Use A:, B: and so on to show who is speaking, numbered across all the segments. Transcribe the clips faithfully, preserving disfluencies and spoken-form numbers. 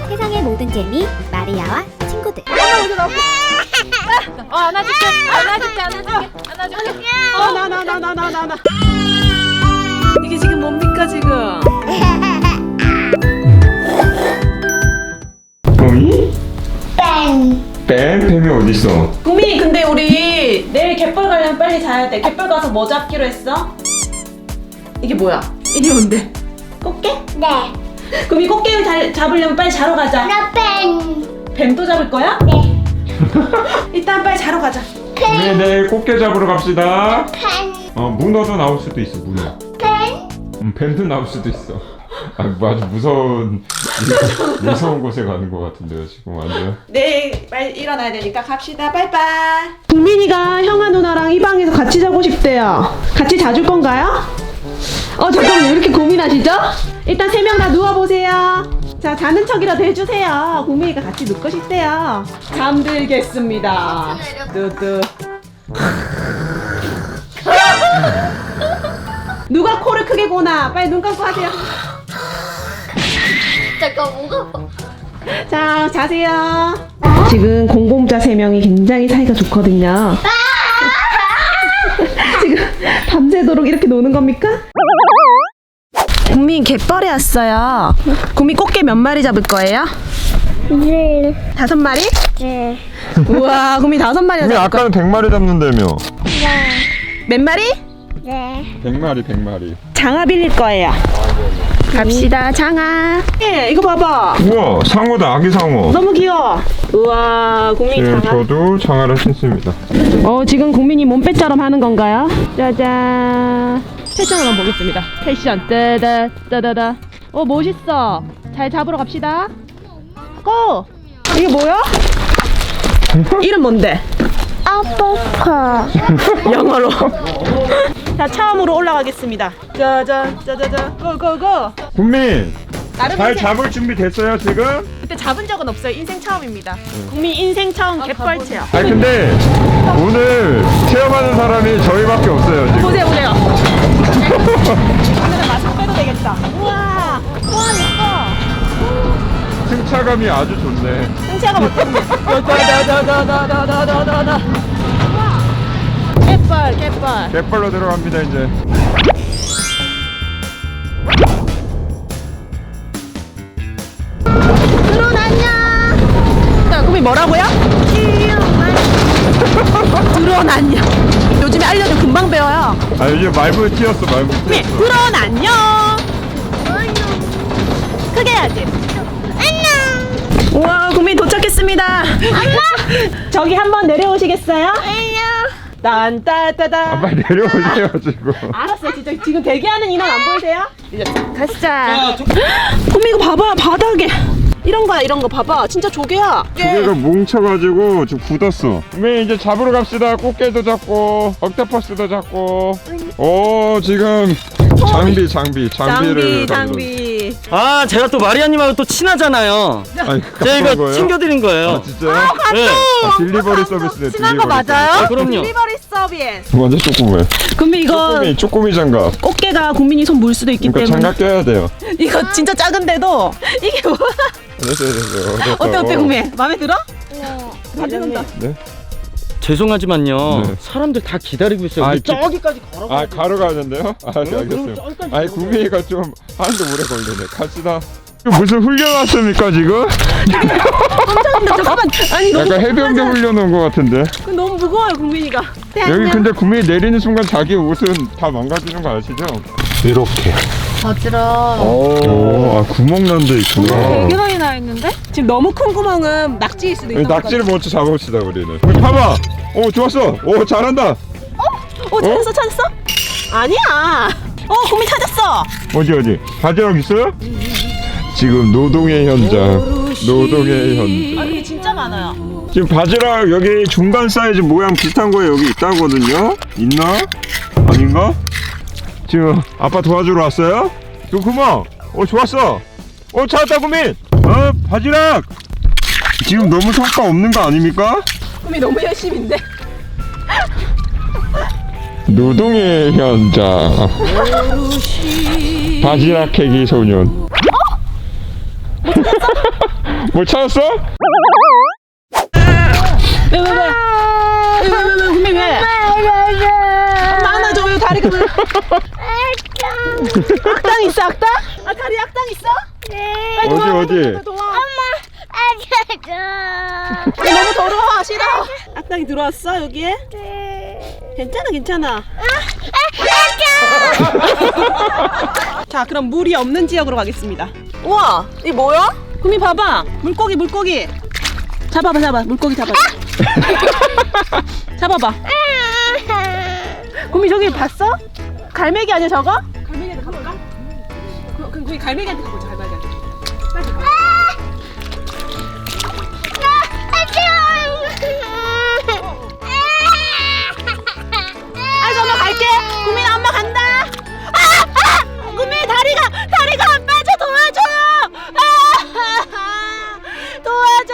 A: 세상의 모든 재미 마리아와 친구들.
B: 어, 안아줄게, 안아줄게, 안아줄게, 안아줄게. 어, 나, 나, 나, 나, 나, 나, 나. 이게 지금 뭡니까 지금?
C: 뱀이? 뱀. 뱀? 뱀이 어딨어?
B: 구미, 근데 우리 내일 갯벌 가려면 빨리 자야 돼. 갯벌 가서 뭐 잡기로 했어? 이게 뭐야? 이게 뭔데? 꽃게?
D: 네.
B: 구미, 꽃게 잘 잡으려면 빨리 자러 가자.
D: 나 뱀.
B: 뱀도 잡을 거야?
D: 네.
B: 일단 빨리 자러 가자.
C: 네, 내일 꽃게 잡으러 갑시다.
D: 뱀.
C: 어, 문어도 나올 수도 있어, 문어.
D: 뱀.
C: 음, 뱀도 나올 수도 있어. 아, 뭐 아주 무서운, 무서운 곳에 가는 것 같은데요, 지금 완전.
B: 내일 빨리 일어나야 되니까 갑시다. 빠이빠이. 국민이가 형아 누나랑 이 방에서 같이 자고 싶대요. 같이 자줄 건가요? 어, 잠깐만요. 왜 이렇게 고민하시죠? 일단 세 명 다 누워보세요. 자, 자는 척이라도 해주세요. 국민이가 같이 눕고 싶대요. 잠들겠습니다. 뚜뚜. 누가 코를 크게 고나? 빨리 눈 감고 하세요.
D: 잠깐 뭐가?
B: 자, 자세요. 지금 공공자 세 명이 굉장히 사이가 좋거든요. 지금 밤새도록 이렇게 노는 겁니까? 국민 갯벌에 왔어요. 국민 꽃게 몇 마리 잡을 거예요?
D: 네.
B: 다섯 마리?
D: 네.
B: 우와, 국민 다섯 마리
C: 근데
B: 잡을 거야.
C: 아까는 백 마리 잡는다며.
B: 몇 마리?
D: 네.
C: 백 마리, 백 마리.
B: 장어 빌릴 거예요. 갑시다, 장어. 예, 이거 봐봐.
C: 우와, 상어다, 아기 상어.
B: 너무 귀여워. 우와, 국민
C: 지금
B: 장어.
C: 저도 장어를 신습니다.
B: 어, 지금 국민이 몸빼처럼 하는 건가요? 짜잔. 패션을 한번 보겠습니다. 패션. 따다, 따다다. 어, 멋있어. 잘 잡으러 갑시다. 고! 이게 뭐야? 이름 뭔데?
D: 아포커.
B: 영어로. 자, 처음으로 올라가겠습니다. 짜잔, 짜자잔. 고고고.
C: 국민,
B: 나름
C: 잘
B: 인생,
C: 잡을 준비 됐어요, 지금?
B: 그때 잡은 적은 없어요. 인생 처음입니다. 국민 인생 처음 갯벌 체험.
C: 아니, 근데 오늘 체험하는 사람이 저희밖에 없어요, 지금.
B: 보세요, 보세요. 오늘은 마스크 빼도 되겠다. 우와, 우와, 예뻐.
C: 승차감이 아주 좋네.
B: 승차가 어떤데? 다다다다다다다다다. 우와, 갯벌, 갯벌.
C: 갯벌로 들어갑니다, 이제.
B: 드론 안녕. 자, 그럼 뭐라고요? 드론 안녕. 요즘에 알려줘 금방 배워요.
C: 아, 요즘 말벌 튀었어, 말벌
B: 네,
C: 튀었어.
B: 드론 안녕. 크게 해야지. 안녕. 우와, 국민 도착했습니다. 저기 한번 내려오시겠어요?
D: 안녕.
B: 딴따따다.
C: 아, 빨리 내려오세요, 지금.
B: 알았어요. 진짜 지금 대기하는 인원 안 보이세요? 이제 가시자. 국민 이거 봐봐, 바닥에 이런 거야, 이런 거 봐봐. 진짜 조개야.
C: 조개가 뭉쳐가지고 지금 굳었어. 그러면 이제 잡으러 갑시다. 꽃게도 잡고 옥토퍼스도 잡고. 오, 지금 장비 장비 장비를
B: 장비, 장비.
E: 아, 제가 또 마리아님하고 또 친하잖아요.
C: 아니,
E: 제가 이거
C: 거예요?
E: 챙겨드린 거예요.
C: 아, 진짜요?
E: 네.
C: 아, 딜리버리 서비스네.
B: 친한 거
C: 딜리버리
B: 맞아요?
E: 아, 그럼요.
B: 딜리버리 서비스.
C: 서비스. 완전 조그매.
B: 국민 이거
C: 쪼꼬미 쪼꼬미 장갑.
B: 꽃게가 국민이 손 물 수도 있기
C: 그러니까
B: 때문에
C: 장갑 껴야 돼요.
B: 이거 진짜 작은데도 이게 뭐야?
C: 됐어요, 됐어요. 됐어.
B: 어때 어때
C: 어.
B: 국민? 마음에 들어?
D: 네.
B: 가져간다.
C: 네.
E: 죄송하지만요.
C: 네.
E: 사람들 다 기다리고 있어요.
C: 아,
E: 우리
C: 그-
E: 저기까지 걸어가.
C: 아, 가러 가는데요? 아, 네,
E: 그럼
C: 알겠어요.
E: 저기까지
C: 아니,
E: 걸어가요.
C: 구미가 좀 하는데 오래 걸리네. 갑시다. 이거 무슨 훈련 왔습니까, 지금?
B: 깜짝인데 잠깐만. 아니 너무
C: 약간 해병대 훈련 온 것 같은데.
B: 그 너무 무거워요 국민이가.
C: 여기 근데 구미 내리는 순간 자기 옷은 다 망가지는 거 아시죠? 이렇게.
B: 어지러.
C: 오, 아, 구멍 난 데 있구나.
B: 많이 나 있는데? 지금 너무 큰 구멍은 낙지일 수도
C: 여기
B: 있다.
C: 낙지를 먼저 잡읍시다, 우리는. 우리 봐봐. 오, 좋았어. 오, 잘한다.
B: 어 찾았어 찾았어? 아니야. 어 국민 찾았어.
C: 어디, 어디? 바지락 있어요? 지금 노동의 현장. 노동의 현장.
B: 아 이게 진짜 많아요.
C: 지금 바지락 여기 중간 사이즈 모양 비슷한 거 여기 있다거든요? 있나? 아닌가? 지금 아빠 도와주러 왔어요? 그 구멍! 어, 좋았어! 어, 찾았다, 구민! 어, 바지락! 지금 너무 성과 없는 거 아닙니까?
B: 국민 너무 열심인데.
C: 노동의 현장. 바지락 캐기 소년. 뭘 찾았어?
B: 왜, 왜, 왜? 왜, 왜, 왜, 왜, 구미 왜? 엄마 안아줘. 왜 다리가 왜? 악당 있어, 악당? 아, 다리 악당 있어? 빨리
C: 어디,
B: 도와,
C: 어디?
B: 빨리 도와. 야, 너무 더러워. 싫어. 악당이 들어왔어, 여기에? 괜찮아, 괜찮아. 자, 그럼 물이 없는 지역으로 가겠습니다. 우와, 이 뭐야? 구미 봐봐. 물고기, 물고기. 잡아봐, 잡아. 물고기 잡아. 잡아봐. 구미 저기 봤어? 갈매기 아니야 저거? 갈매기한테 가볼까? 그, 그, 거기 갈매기한테 가보자. 갈매기한테. 빨리 가. 아이고 엄마 갈게. 구미나 엄마 간다. 아! 아! 구미 다리가 다리가 안 빠져. 도와줘요. 아! 도와줘.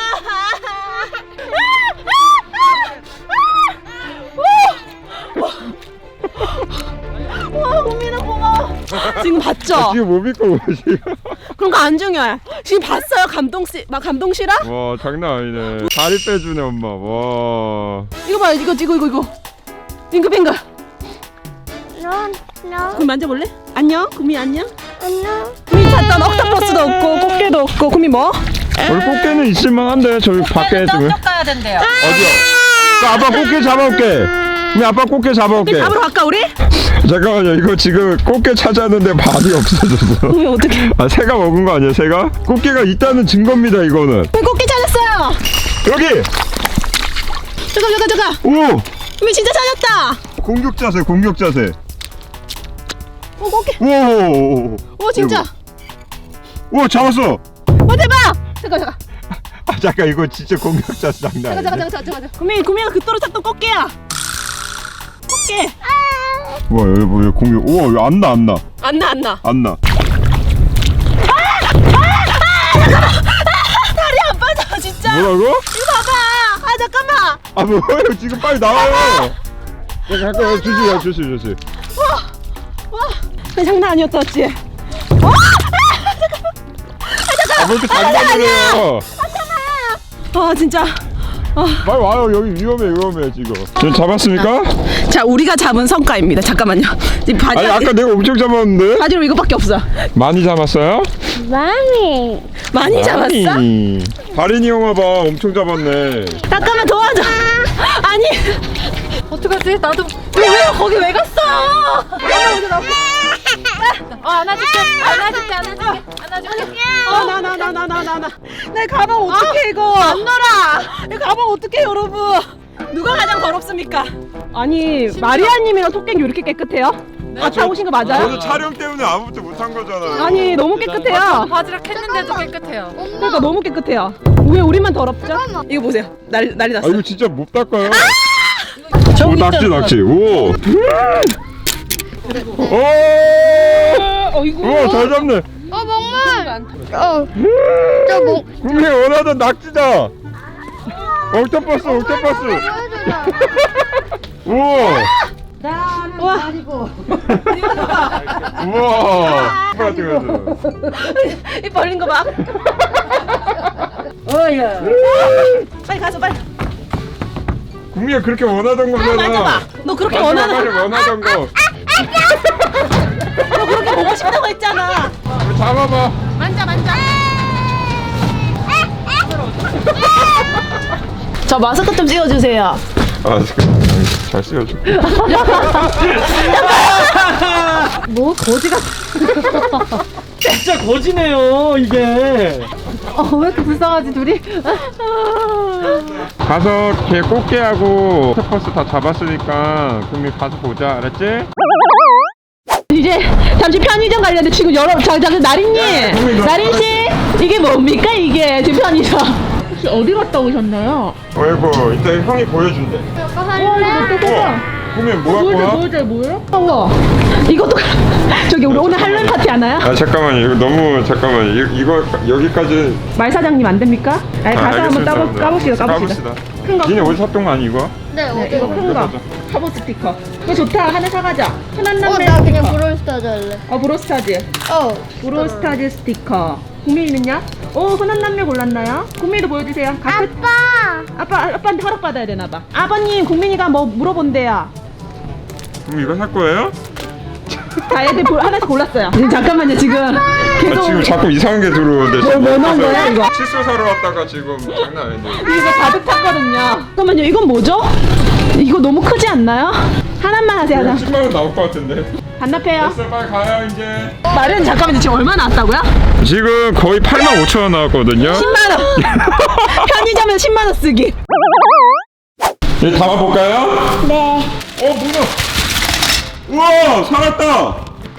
B: 와, 구미나 고마워. 지금 봤죠?
C: 지금 못 믿고 뭐지?
B: 그런 거 안 중요해. 지금 봤어요? 감동시, 막 감동시라?
C: 와 장난 아니네. 다리 빼주네 엄마. 와.
B: 이거 봐요, 이거, 이거, 이거, 이거. 빙글빙글.
D: No, no,
B: 구미 만져볼래? 안녕, 구미 안녕.
D: no.
B: 구미 찾던 옥토퍼스도 없고 꽃게도 없고. 구미 뭐?
C: 우리 꽃게는 있을만한데 저기 밖에 지금.
F: 가야 된대요.
C: 어디요? 그 아빠 꽃게 잡아올게. 우리 아빠 꽃게 잡아올게.
B: 구미 잡으러 갈까 우리?
C: 잠깐만요. 이거 지금 꽃게 찾았는데 밥이 없어졌어.
B: 구미 어떡해?
C: 아 새가 먹은 거 아니야? 새가? 꽃게가 있다는 증거입니다. 이거는.
B: 구미 꽃게 찾았어요.
C: 여기.
B: 잠깐, 잠깐, 잠깐.
C: 오.
B: 구미 진짜 찾았다.
C: 공격 자세. 공격 자세.
B: 오, 꽃게.
C: 오.
B: 오, 진짜.
C: 오 잡았어.
B: 오, 대박. 잠깐, 잠깐.
C: 아 잠깐 이거 진짜 공격 자세 장난
B: 잠깐,
C: 아니야.
B: 잠깐, 잠깐, 잠깐. 구미, 구미가 그토록 찾던 꽃게야. 꽃게.
C: 와 여기 뭐 공격. 우와 여기 안 나 안 나.
B: 안 나, 안 나.
C: 안 나.
B: 다리 안 빠져, 진짜.
C: 뭐라고?
B: 이거 봐봐. 아, 잠깐만.
C: 아 뭐예요? 지금 빨리 나와요. 야 잠깐 주시야 주시 주시.
B: 와, 나 장난 아니었었지.
C: 아뭐 이렇게 장난이에요?
B: 아, 진짜.
C: 빨리 와요. 여기 위험해 위험해 지금. 지금 잡았습니까?
B: 자, 우리가 잡은 성과입니다. 잠깐만요. 지금 바지,
C: 아니 아까 내가 엄청 잡았는데.
B: 바지로 이거밖에 없어.
C: 많이 잡았어요?
D: Mommy.
B: 많이 잡았어?
C: 아니. 바린이 형아 봐 엄청 잡았네.
B: 잠깐만 도와줘. 아니,
F: 어떡하지? 나도
B: 왜, 왜 거기 왜 갔어?
F: 어, 안아줄게. 안아줄게. 안아줄게. 안아줄게.
B: 어, 나, 나, 나, 나, 나, 나, 나. 내 가방 어떡해, 이거. 안 놀아. 내 가방 어떡해, 여러분. 누가 가장 더럽습니까? 아니, 마리아님이랑 토깽이 왜 이렇게 깨끗해요? 갔다 오신 거 맞아요?
C: 저도 촬영 때문에 아무것도 못한 거잖아요.
B: 아니, 너무 깨끗해요.
F: 바지락 했는데도 깨끗해요.
B: 그러니까 너무 깨끗해요. 왜 우리만 더럽죠? 이거 보세요. 난리, 난리
C: 아
B: 났어.
C: 이거 진짜 못 닦아요.
B: 저기
C: 오
B: 있잖아.
C: 낙지 낙지. 오. 오.
B: 어, 이거.
C: 우와 잘 잡네.
D: 어, 먹물. 어. 저 뭐?
C: 분명히 원하던 낙지다. 옥토퍼스 옥토퍼스. 우와.
B: 와.
C: 우와. 뭐야 뜨거워.
B: 이 벌린 거 봐. 어야. 빨리 가서 빨리.
C: 국미가 그렇게 원하던 거잖아.
B: 만져봐. 너 그렇게
C: 만져봐,
B: 원하는.
C: 빨리 원하던 거.
B: 너 그렇게 보고 싶다고 했잖아.
C: 잡아봐.
F: 만져, 만져.
B: 저 마스크 좀 찍어주세요.
C: 아 잠깐. 잘 쓰여줄게.
B: 뭐 거지가.
E: 진짜 거지네요 이게.
B: 어, 왜 이렇게 불쌍하지 둘이?
C: 가서 걔 꽃게하고 옥토퍼스 다 잡았으니까 국미 가서 보자. 알았지?
B: 이제 잠시 편의점 가려는데 지금 여러 자, 자, 나린님,
C: 국민, 너-
B: 나린 씨, 이게 뭡니까 이게 지금 편의점? 혹시 어디 갔다 오셨나요?
C: 어이구 이따 형이 보여준대. 우와 국미 뭐 갖고 와?
B: 뭐야 뭐예요? 우와 이것도 저기 우리 오늘 할로윈 파티 하나요?
C: 아 잠깐만요. 이거 너무 잠깐만. 이, 이거 여기까지.
B: 말 사장님 안 됩니까? 아니
C: 아,
B: 가서 한번
C: 알겠습니다.
B: 까보, 까봅시다 까봅시다. 큰 거.
C: 니네 어디 샀던 거 아니 이거?
D: 네,
B: 네, 이거 큰
C: 이거
B: 거.
C: 사자.
B: 화보 스티커. 이거 좋다. 하나 사가자.
D: 어,
B: 천안남매
D: 나 그냥
B: 스티커.
D: 브롤스타즈 할래.
B: 어 브로스타즈.
D: 어.
B: 브로스타즈 스티커. 국민이는요? 오, 흔한 남매 골랐나요? 국민이도 보여주세요. 가-
D: 아빠.
B: 아빠, 아빠한테 허락 받아야 되나봐. 아버님, 국민이가 뭐 물어본대요.
C: 그럼 이거 살 거예요?
B: 자, 애들 볼- 하나씩 골랐어요. 지금 잠깐만요, 지금
C: 아,
B: 계속
C: 지금 자꾸 이상한 게 들어오는데
B: 뭐, 뭐 넣은 거야, 이거?
C: 칫솔 사러 왔다가 지금 장난 아닌데.
B: 이거 가득 찼거든요. 잠깐만요, 이건 뭐죠? 이거 너무 크지 않나요? 하나만 하세요, 하나.
C: 십만 원 나올 것 같은데.
B: 반납해요.
C: 됐어, 빨리 가요 이제.
B: 말은 잠깐만요, 지금 얼마 나왔다고요?
C: 지금 거의 팔만 오천 원 나왔거든요.
B: 십만 원. 편의점에서 십만 원 쓰기.
C: 이제 담아볼까요?
D: 네.
C: 어, 문어. 우와, 살았다.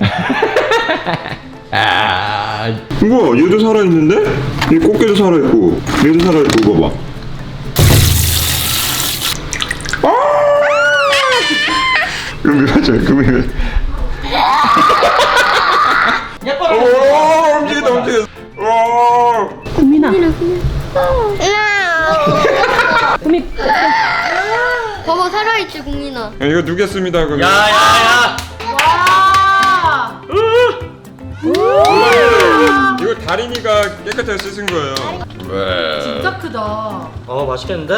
C: 우와, 얘도 살아있는데? 이 꽃게도 살아있고, 얘도 살아있고, 이거 봐. 아! 이거 mir하죠, 그거 mir하. 오, 움직인다, 움직여. 오.
B: 국민아. 국민.
D: 봐봐 살아있지 국민아.
C: 야, 이거 누겠습니다, 그럼.
E: 야야야.
C: 이거 다린이가 깨끗하게 씻은 거예요.
F: 진짜 크다.
E: 어 맛있겠는데?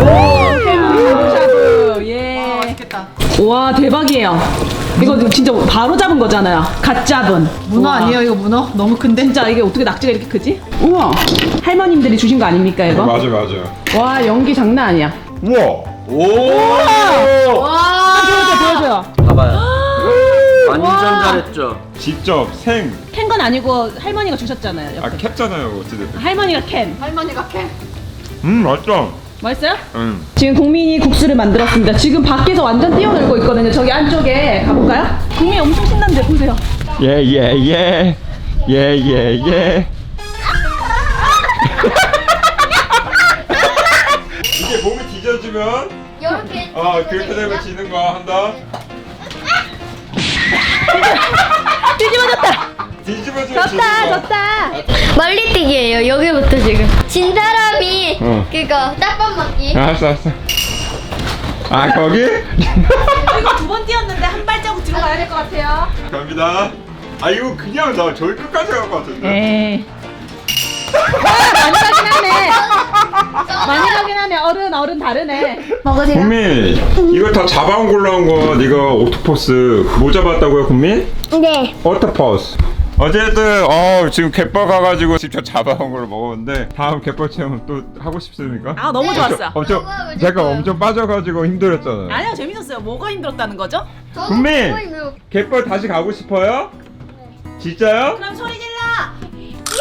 B: 샤브샤브. 예.
F: 맛있겠다.
B: 와, 대박이에요. 이거 진짜 바로 잡은 거잖아요. 갓 잡은.
F: 문어
B: 우와.
F: 아니에요 이거 문어? 너무 큰데?
B: 진짜 이게 어떻게 낙지가 이렇게 크지? 우와. 할머님들이 주신 거 아닙니까, 이거?
C: 맞아, 맞아.
B: 와, 연기 장난 아니야.
C: 우와.
E: 오.
F: 와.
B: 보여줘, 보여줘요.
E: 봐봐요. 완전
B: 와.
E: 잘했죠.
C: 직접 생.
B: 캔 건 아니고 할머니가 주셨잖아요.
C: 아,
B: 옆에.
C: 캡잖아요, 어찌됐든.
B: 할머니가 캔.
F: 할머니가 캐.
C: 음, 맛있다.
B: 맛있어요?
C: 응.
B: 지금 국민이 국수를 만들었습니다. 지금 밖에서 완전 뛰어놀고 있거든요. 저기 안쪽에 가볼까요? 국민이 엄청 신난데 보세요.
C: 예, 예, 예. 예, 예, 예. 이게 몸이 뒤져지면,
D: 이렇게.
C: 어, 그렇게 되면 지는 거 한다.
B: 뒤집어졌다.
C: 뒤집어지면 지는
B: 졌다,
C: 거.
B: 졌다.
D: 멀리뛰기예요. 여기부터 지금. 진 사람이
C: 어.
D: 그거 딱밤 맞기.
C: 알았어, 알았어. 아, 거기?
B: 이거 두 번 뛰었는데 한 발자국 뒤로 가야 될 것 같아요.
C: 갑니다. 아, 이거 그냥 나 저기 끝까지 갈 것 같은데.
B: 에이. 와, 많이 가긴 하네. 많이 가긴 하네. 어른, 어른 다르네. 먹으세요.
C: 국민, 이거 다 잡아온 걸로 한 거, 네가 옥토퍼스 뭐 잡았다고요, 국민?
D: 네.
C: 옥토퍼스. 어쨌든 어 지금 갯벌 가가지고 직접 잡아온 걸 먹었는데 다음 갯벌 체험 또 하고 싶습니까?
B: 아, 너무 좋았어.
C: 엄청
D: 너무 하고
C: 잠깐
D: 싶어요.
C: 엄청 빠져가지고 힘들었잖아요.
B: 아니요, 재밌었어요. 뭐가 힘들었다는 거죠?
D: 저도
C: 국민!
D: 그거 있네요.
C: 갯벌 다시 가고 싶어요? 진짜요?
B: 그럼 소리 질러!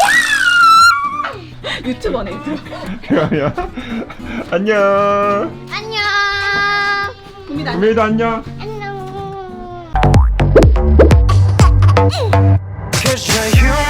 B: 유튜버네, 유튜버.
C: 그러면 안녕.
D: 안녕.
B: 국민 안
C: 국민도 안녕.
D: 안녕.
G: Cause you're human.